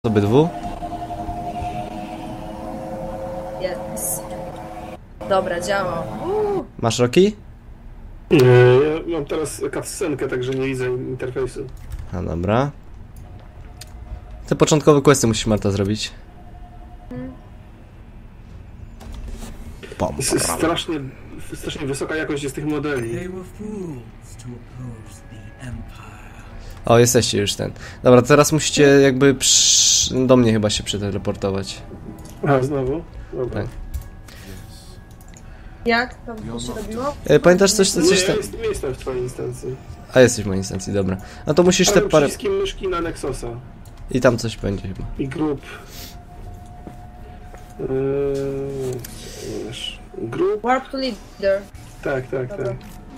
Obydwu? Jest. Dobra, działa. Masz Roki? Ja mam teraz cutscenkę, także nie widzę interfejsu. A dobra. Te początkowe questy musisz, Marta, zrobić. Jest strasznie wysoka jakość jest tych modeli. O, jesteście już ten. Dobra, teraz musicie jakby do mnie chyba się przeteleportować. A, znowu? Dobra. Tak. Jak to się robiło? Pamiętasz coś tam? Nie jestem w twojej instancji. A, jesteś w mojej instancji, dobra. No to musisz te Ale parę... przyciskiem myszki na Nexosa. I tam coś będzie chyba. I grup. Grup? Warp to leader. Tak. Dobra.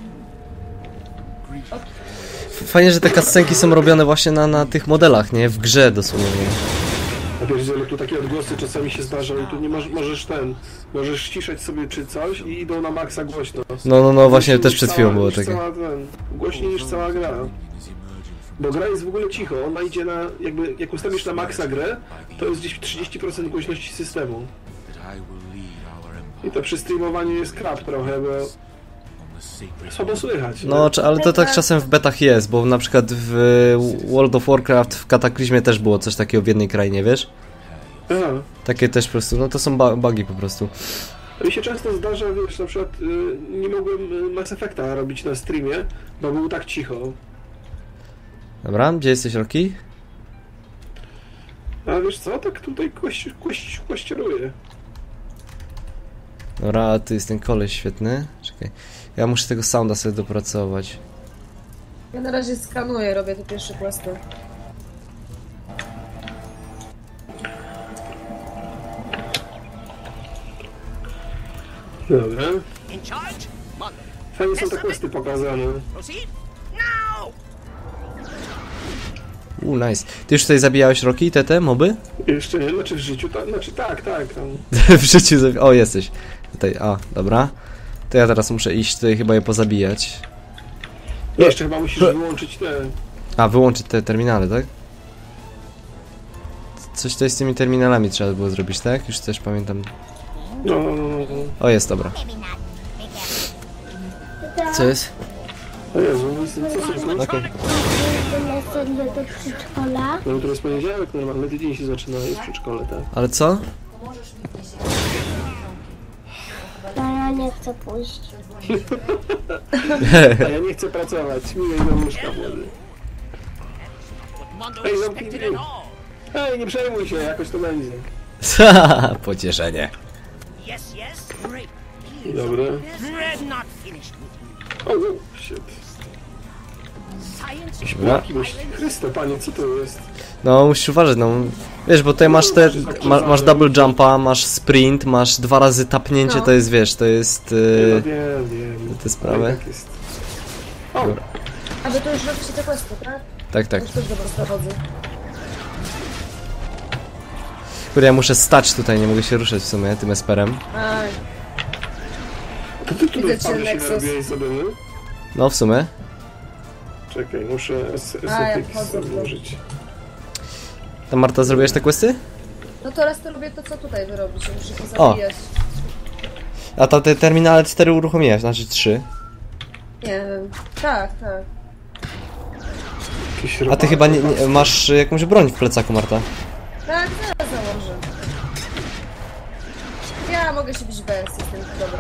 Fajnie, że te cutscenki są robione właśnie na tych modelach, nie? W grze dosłownie. A wiesz, że tu takie odgłosy czasami się zdarzają i tu nie możesz ściszać sobie czy coś i idą na maksa głośno. No, właśnie też przed chwilą było takie. Głośniej niż cała gra. Bo gra jest w ogóle cicho, ona idzie na, jakby, jak ustawisz na maksa grę, to jest gdzieś 30% głośności systemu. I to przy streamowaniu jest krap trochę, bo słabo słychać. No, ale to tak czasem w betach jest, bo na przykład w World of Warcraft w Kataklizmie też było coś takiego w jednej krainie, wiesz? Aha. Takie też po prostu, no to są bugi po prostu. Mi się często zdarza, wiesz, na przykład nie mogłem Mass Effecta robić na streamie, bo było tak cicho. Dobra, gdzie jesteś, Roki? A wiesz co, tak tutaj kościeruje. Dobra, a tu jest ten koleś świetny. Czekaj, ja muszę tego sounda sobie dopracować. Ja na razie skanuję, robię te pierwsze questy. Dobra. Fajnie są te questy pokazane. Nice. Ty już tutaj zabijałeś Roki, te moby? Jeszcze nie, znaczy w życiu, tak, tam. W życiu O, jesteś. Tutaj, dobra. To ja teraz muszę iść tutaj chyba je pozabijać. Jeszcze chyba musisz wyłączyć te... Wyłączyć te terminale, tak? Coś tutaj z tymi terminalami trzeba było zrobić, tak? Już też pamiętam. No. O, jest, dobra. Co jest? O Jezu, co są to? Okej. Do przedszkola. No jutro jest poniedziałek, normalny tydzień się zaczyna, jest w przedszkole, tak? Ale co? No ja nie chcę pójść. A ja nie chcę pracować, miłej do łóżka młody. Ej, zamknij drzwi. Ej, nie przejmuj się, jakoś to będzie. Pocieszenie. Dobra. O, shit. Dobra. Chryste, panie, co to jest? No, musisz uważać, no. Wiesz, bo tutaj masz masz double jumpa, masz sprint, masz 2 razy tapnięcie, No. to jest, wiesz, to jest... Wiem. te sprawy. Tak jest. O, A wy to już robicie te questy, tak? Tak. Już też dobrze zachodzę. Kurde, ja muszę stać tutaj, nie mogę się ruszać w sumie tym esperem. Aj, to ty tutaj Widzę cię, wpadł się Nexus. narobiłeś sobie, no? No, w sumie. Czekaj, muszę ja SFX wchodzę w to. założyć. Tam, Marta, zrobiłeś te questy? no teraz to robię to, co tutaj wy robicie. Muszę to O. zabijać. A to te terminale 4 uruchomiłeś, znaczy 3. Nie wiem. Tak. Jakieś A ty robale. chyba nie masz jakąś broń w plecaku, Marta. Tak, zaraz założę. Ja mogę się bić bez, jestem dobra.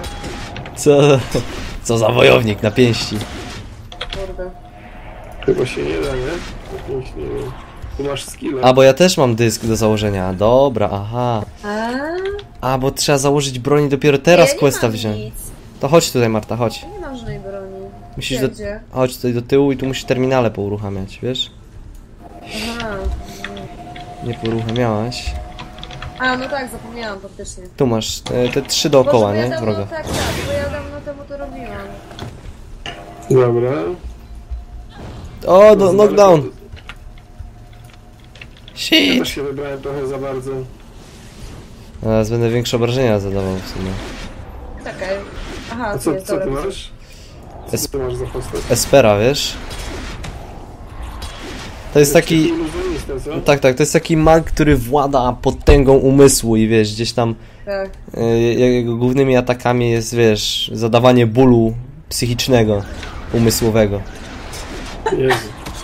Co za wojownik na pięści. Kurde. Chyba się nie da, nie? Jakimś, nie wiem. Tu masz skilla. A, bo ja też mam dysk do założenia. Dobra, aha. A, bo trzeba założyć broń i dopiero teraz ja nie questa mam wziąć. nic. To chodź tutaj, Marta, chodź. Ja nie mam żadnej broni. Musisz Gdzie? chodź tutaj do tyłu i tu musisz terminale pouruchamiać, wiesz? Aha. Nie pouruchamiałaś. A, no tak, zapomniałam faktycznie. Tu masz te 3 dookoła, Boże, bo ja nie? dawno, Wroga. Tak, bo ja dawno temu to robiłam. Dobra. O, knockdown! Ja Shit! też się wybrałem trochę za bardzo. Teraz będę większe obrażenia zadawał w sumie. Czekaj. Aha, A tu co jest, ty dobra. masz? Co ty masz za postać? Espera, wiesz? To jest taki... Iluzjonista, co? Tak, to jest taki mag, który włada potęgą umysłu i wiesz, gdzieś tam Tak. jego głównymi atakami jest, wiesz, zadawanie bólu psychicznego, umysłowego. Jezu.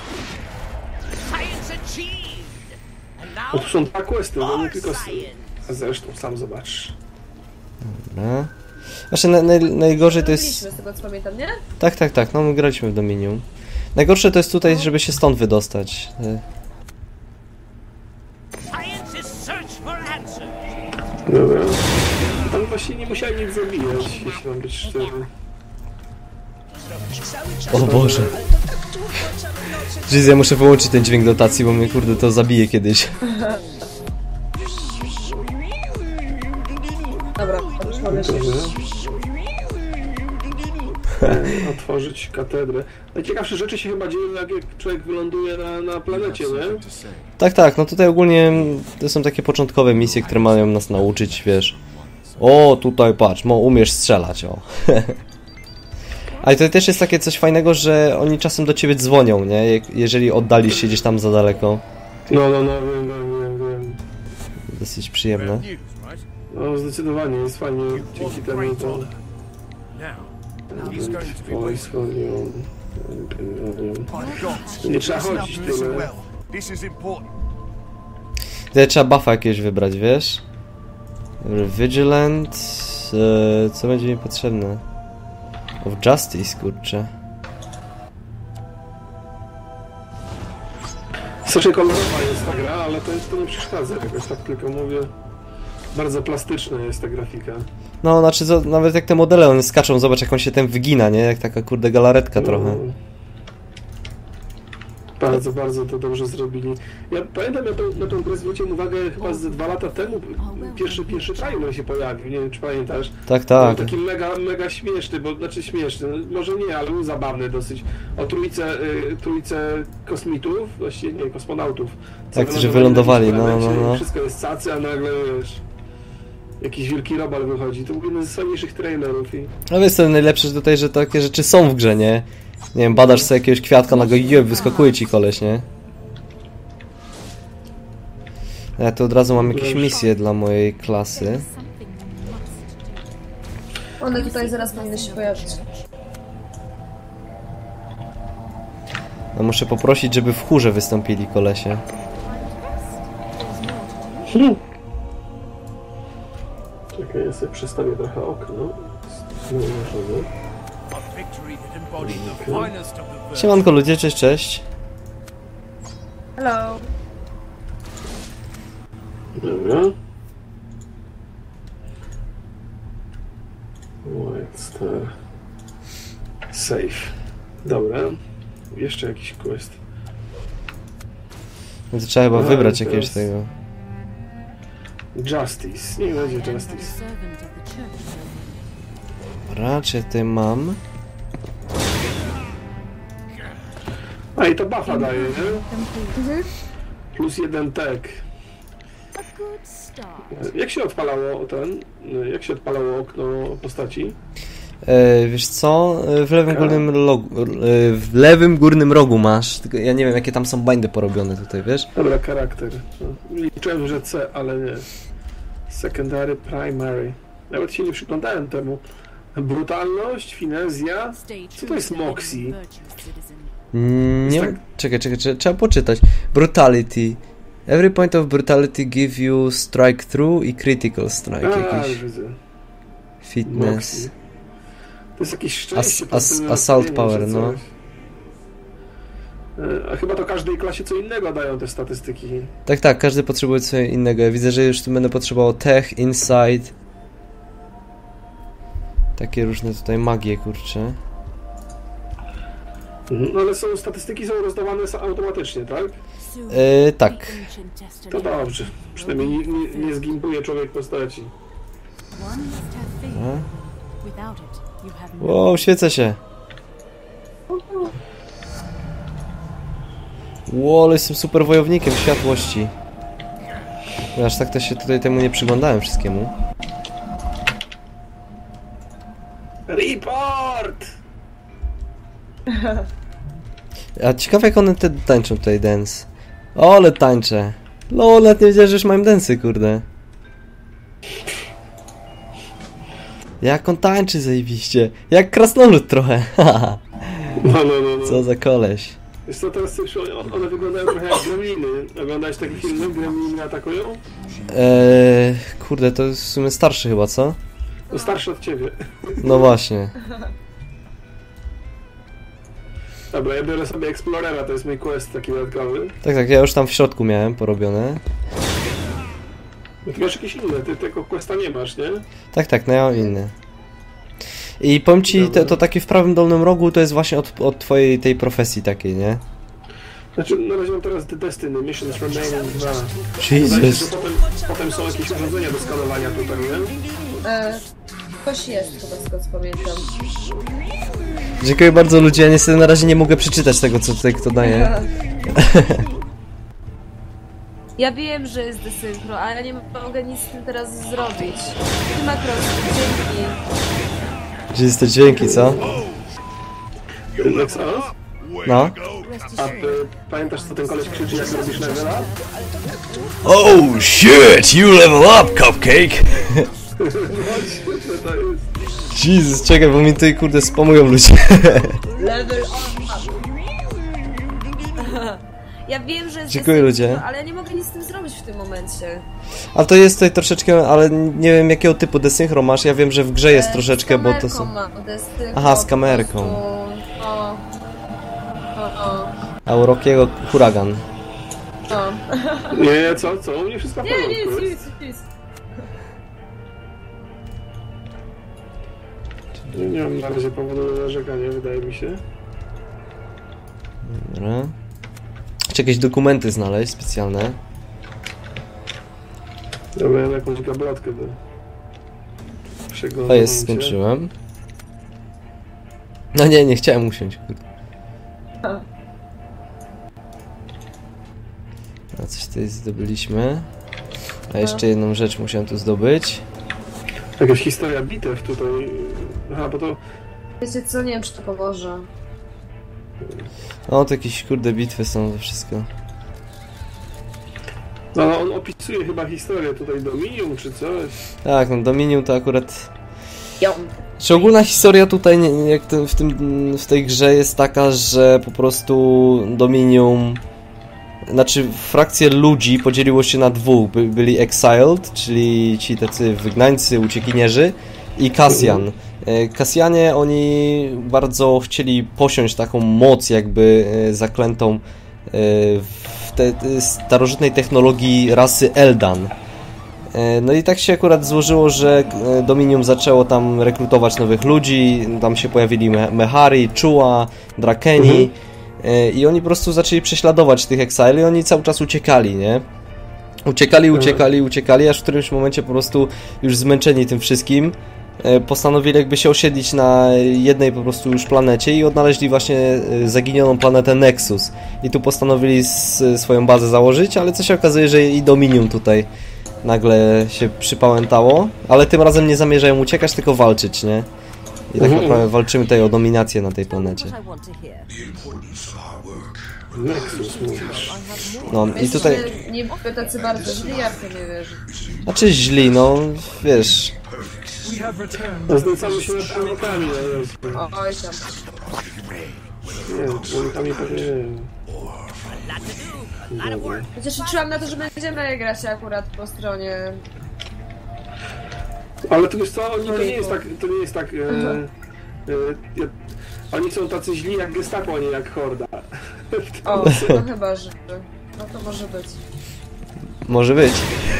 To są dwa questy, no nie tylko... A zresztą sam zobaczysz. No. Znaczy najgorzej to jest... Byliśmy z tego co pamiętam, nie? Tak, no my graliśmy w Dominium. Najgorsze to jest tutaj, żeby się stąd wydostać. Dobra. Tam właśnie nie musiałem nic zabijać, jeśli mam być szczery. O Boże. Jeez, ja muszę wyłączyć ten dźwięk dotacji, bo mnie kurde to zabije kiedyś. Dobra, już mogę się. Otworzyć katedrę. Najciekawsze rzeczy się chyba dzieją, jak człowiek wyląduje na planecie, nie? Tak, no tutaj ogólnie to są takie początkowe misje, które mają nas nauczyć, wiesz. O, tutaj patrz, umiesz strzelać, o. Ale to też jest takie coś fajnego, że oni czasem do ciebie dzwonią, nie? Jeżeli oddalisz się gdzieś tam za daleko. No, wiem. Dosyć przyjemne. No, zdecydowanie, jest fajnie, dzięki temu to... Nie trzeba chodzić tyle. Tutaj trzeba buffa jakiegoś wybrać, wiesz? Vigilant... co będzie mi potrzebne? Of Justice, kurczę. Strasznie kolorowa jest ta gra, ale to nie przeszkadza jakoś, tak tylko mówię. Bardzo plastyczna jest ta grafika. No, znaczy nawet jak te modele one skaczą, zobacz jak on się ten wygina, nie? Jak taka kurde galaretka trochę. Bardzo to dobrze zrobili. Ja pamiętam, na tą grę zwróciłem uwagę chyba z 2 lata temu. Pierwszy trailer się pojawił, nie wiem czy pamiętasz. Tak. Był taki mega śmieszny, znaczy śmieszny, może nie, ale był zabawny dosyć. O trójce kosmitów, właściwie nie, kosmonautów. Tak, którzy wylądowali, no. Wszystko jest cacy, a nagle wiesz... Jakiś wielki robal wychodzi. To był jeden z fajniejszych trailerów. No wiesz co, najlepsze tutaj, że takie rzeczy są w grze, nie? Nie wiem, badasz sobie jakiegoś kwiatka, na go wyskakuje ci koleś, nie? Ja tu od razu mam jakieś misje dla mojej klasy. One tutaj zaraz powinny się pojawić. No muszę poprosić, żeby w chórze wystąpili kolesie. Czekaj, ja sobie przestawię trochę okno. Siemanko ludzie, cześć. Hello. Dobra. White Star. Safe. Dobra. Jeszcze jakiś quest. No to trzeba chyba wybrać jakiegoś tego. Justice. Nie będzie Justice. Raczej tutaj mam. A i to buffa daje, nie? Plus 1 tag. Jak się odpalało Jak się odpalało okno postaci? Wiesz co? W lewym górnym rogu masz. Tylko ja nie wiem jakie tam są bindy porobione tutaj, wiesz? Dobra, charakter. Liczyłem, że C, ale nie. Secondary, primary. Nawet się nie przyglądałem temu. Brutalność, finezja. Co to jest Moxie? Nie tak... Czekaj, trzeba poczytać. Brutality. Every point of brutality give you strike through i critical strike jakiś. Widzę. Fitness. Moxie. To jest jakiś szczęście. Assault power, no. A chyba to każdej klasie co innego dają te statystyki. Tak, każdy potrzebuje co innego. Ja widzę, że już tu będę potrzebował tech, insight. Takie różne tutaj magie, kurczę. No ale statystyki są rozdawane automatycznie, tak? Tak. To dobrze. Przynajmniej nie zgimpuje człowiek postaci. Wow, świecę się. Wow, ale jestem super wojownikiem światłości. Aż tak to się tutaj temu nie przyglądałem wszystkiemu. Report! A ciekawe jak one te tańczą tutaj dance. O, ale tańczę. No, nawet nie wiedziałem, że już mają densy, kurde. Jak on tańczy zajebiście. Jak krasnolud trochę. No. Co za koleś. Wiesz co, teraz już one wyglądają trochę jak gremliny. Oglądałeś taki film, gremliny atakują? Kurde, to jest w sumie starszy chyba, co? No starszy od ciebie. No właśnie. Dobra, ja biorę sobie Explorera, to jest mój quest taki dodatkowy. Tak, ja już tam w środku miałem porobione. No ty masz jakieś inne, ty tego questa nie masz, nie? Tak, no ja mam inny. I powiem ci, to takie w prawym dolnym rogu to jest właśnie od twojej tej profesji takiej, nie? Znaczy, na razie mam teraz The Destiny, Missions Remaining 2. Jesus. Wydaje się, że potem są jakieś urządzenia do skanowania tutaj, nie? Ktoś jest chyba, z tego co pamiętam. Dziękuję bardzo ludzie, ja niestety na razie nie mogę przeczytać tego, co tutaj kto daje. Ja wiem, że jest desynchro, ale ja nie mogę nic z tym teraz zrobić. Ty Makros, dzięki. Gdzie jest te dźwięki, co? Nexus? No. A ty pamiętasz, co ten koleś krzyczy, jak robisz level up? Oh shit, you level up, cupcake! To jest... Jesus, czekaj, bo mi tutaj kurde spamują ludzie. Level up. Ja wiem, że jest Dziękuję, ludzie. desynchro, ale ja nie mogę nic z tym zrobić w tym momencie. A to jest tutaj troszeczkę, ale nie wiem jakiego typu desynchro masz, ja wiem, że w grze jest troszeczkę, bo to są... Aha, z kamerką. A u Rockiego huragan. Nie, co? U mnie wszystko w Nie, porządku. nic. Nie mam na razie powodu do narzekania, wydaje mi się. Dobra. Czy jakieś dokumenty znaleźć specjalne? Dobra, ja mam jakąś gablotkę do przeglądania. To jest, skończyłem. No nie chciałem usiąść. A coś tutaj zdobyliśmy. A jeszcze jedną rzecz musiałem tu zdobyć. Jakaś historia bitew tutaj. Aha, bo to... Wiecie co, nie wiem czy to pomoże. O, to jakieś kurde bitwy są, to wszystko. No, on opisuje chyba historię tutaj Dominium czy coś. Tak, no Dominium to akurat... Ją. Czy ogólna historia tutaj, jak w tej grze jest taka, że po prostu Dominium... Znaczy, frakcje ludzi podzieliło się na dwóch. Byli Exiled, czyli ci tacy wygnańcy, uciekinierzy i Cassian. Cassianie, oni bardzo chcieli posiąść taką moc jakby zaklętą w starożytnej technologii rasy Eldan. No i tak się akurat złożyło, że Dominium zaczęło tam rekrutować nowych ludzi, tam się pojawili Mehari, Chua, Drakeni i oni po prostu zaczęli prześladować tych Exile i oni cały czas uciekali, nie? Uciekali, aż w którymś momencie po prostu już zmęczeni tym wszystkim postanowili jakby się osiedlić na jednej po prostu już planecie i odnaleźli właśnie zaginioną planetę Nexus. I tu postanowili swoją bazę założyć, ale co się okazuje, że i Dominium tutaj nagle się przypałętało, ale tym razem nie zamierzają uciekać, tylko walczyć, nie? I tak naprawdę walczymy tutaj o dominację na tej planecie. Nexus mówisz. No i tutaj... Nie były tacy bardzo źli, ja w to nie wierzę. Znaczy źli, no wiesz... No, znęcamy się nad człowiekami, no jest. Oj tam. Nie, człowiekami pewnie nie. Chociaż liczyłam na to, że będziemy grać akurat po stronie. Ale to wiesz co, to nie jest tak, oni są tacy źli jak Gestapo, a nie jak Horda. O, no chyba, że... No to może być. Może być.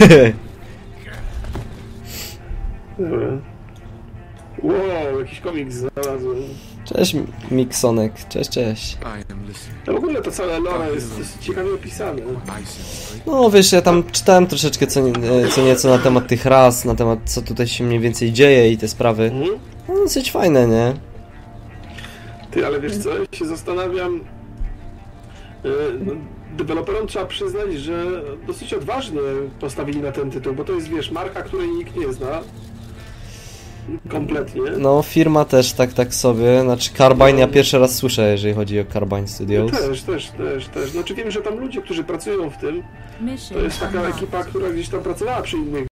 Dobra. Wow, jakiś komiks znalazłem. Cześć Miksonek, cześć. No w ogóle to całe lore jest ciekawie opisane. No wiesz, ja tam czytałem troszeczkę co nieco na temat tych ras, na temat co tutaj się mniej więcej dzieje i te sprawy. No dosyć fajne, nie? Ty, ale wiesz co, ja się zastanawiam... Deweloperom trzeba przyznać, że dosyć odważnie postawili na ten tytuł, bo to jest, wiesz, marka, której nikt nie zna. kompletnie. No, firma też tak sobie, znaczy Carbine ja pierwszy raz słyszę, jeżeli chodzi o Carbine Studios. Też. Znaczy wiem, że tam ludzie, którzy pracują w tym, to jest taka ekipa, która gdzieś tam pracowała przy innych